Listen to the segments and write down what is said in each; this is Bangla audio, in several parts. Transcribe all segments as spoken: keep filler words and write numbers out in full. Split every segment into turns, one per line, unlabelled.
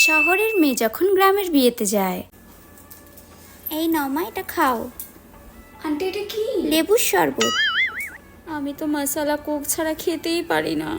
শহরের মেয়ে যখন গ্রামের বিয়েতে যায়। এই নাও মা, এটা খাও।
আন্টি এটা কি?
লেবুর শরবত।
আমি তো মশলা কোক ছাড়া খেতেই পারি না।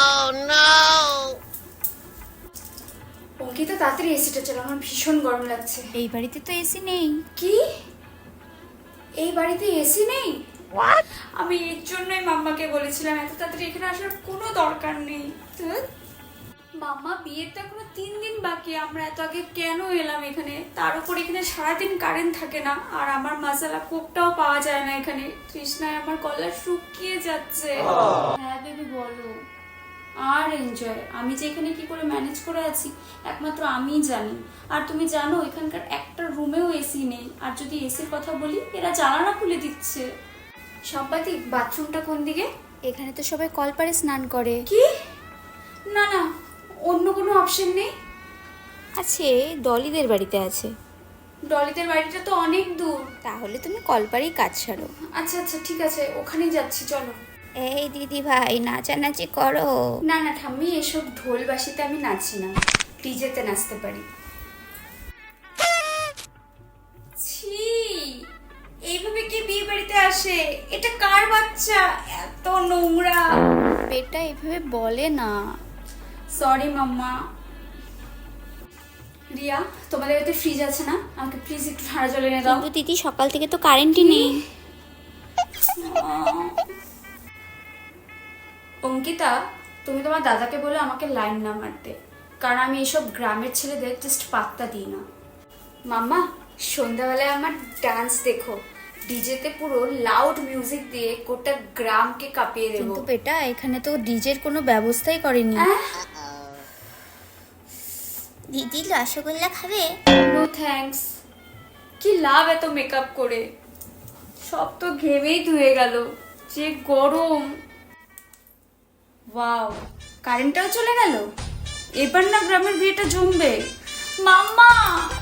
অঙ্কিতা তাড়াতাড়ি এসিটা চালাও, আমার ভীষণ গরম লাগছে।
এই বাড়িতে তো এসি নেই।
কি? এই বাড়িতে এসি নেই? আমি এর জন্যই মাম্মাকে বলেছিলাম এত তাড়াতাড়ি এখানে আসার কোনো দরকার নেই। ধুর। মাম্মা বিয়ের তো এখনো তিন দিন বাকি, আমরা এত আগে কেন এলাম এখানে? তার উপর এখানে সারাদিন কারেন্ট থাকে না, আর আমার মশলা কোকটাও পাওয়া যায় না এখানে। তৃষ্ণায় আমার গলা শুকিয়ে যাচ্ছে। হ্যাঁ বেবি বলো। আর এনজয় আমি যে এখানে কি করে ম্যানেজ করে আছি একমাত্র আমিই জানি। আর তুমি জানো এখানকার একটা রুমেও এসি নেই, আর যদি এসির কথা বলি এরা জানালা খুলে দিচ্ছে। সম্পাতি বাথরুমটা কোন দিকে?
এখানে তো সবাই কলপারে স্নান করে।
কি? না না, অন্য কোনো অপশন নেই?
আছে, ডলিদের বাড়িতে আছে।
ডলিদের বাড়িটা তো অনেক দূর।
তাহলে তুমি কলপারেই কাজ সারো।
আচ্ছা আচ্ছা ঠিক আছে, ওখানেই যাচ্ছি চলো।
এই দিদি ভাই, নাচানাচি করো।
না না ঠাম্মি, এসব ঢোল বাসিতে আমি নাচি না, ডিজেতে নাচতে পারি। ছি, এইভাবে কি বিয়ে বাড়িতে আসে? এটা কার বাচ্চা? এত নোংরা।
বেটা এভাবে বলে না।
সরি মাম্মা। রিয়া, তোমাদের বাড়িতে ফ্রিজ আছে না? আমাকে প্লিজ একটু ঠান্ডা জল এনে দাও।
কিন্তু দিদি সকাল থেকে তো কারেন্টই নেই।
অঙ্কিতা, তুমি তোমার দাদাকে বলে আমাকে লাইন না মারতে, কারণ আমি এইসব গ্রামের ছেলেদের জাস্ট পাত্তা দিই না। মাম্মা, সন্ধ্যাবেলায় আমার ডান্স দেখো, ডিজেতে পুরো লাউড মিউজিক দিয়ে গোটা গ্রামকে কাঁপিয়ে দেবো।
কিন্তু বেটা এখানে তো ডিজের কোনো ব্যবস্থাই করেনি।
আহ,
দিদি রসগোল্লা খাবে?
No thanks. কি লাভ এত মেকআপ করে, সব তো ঘেমেই ধুয়ে গেল। যে গরম। ওয়াও, কারেন্টটাও চলে গেল। এবার না গ্রামের বিয়েটা জমবে। মাম্মা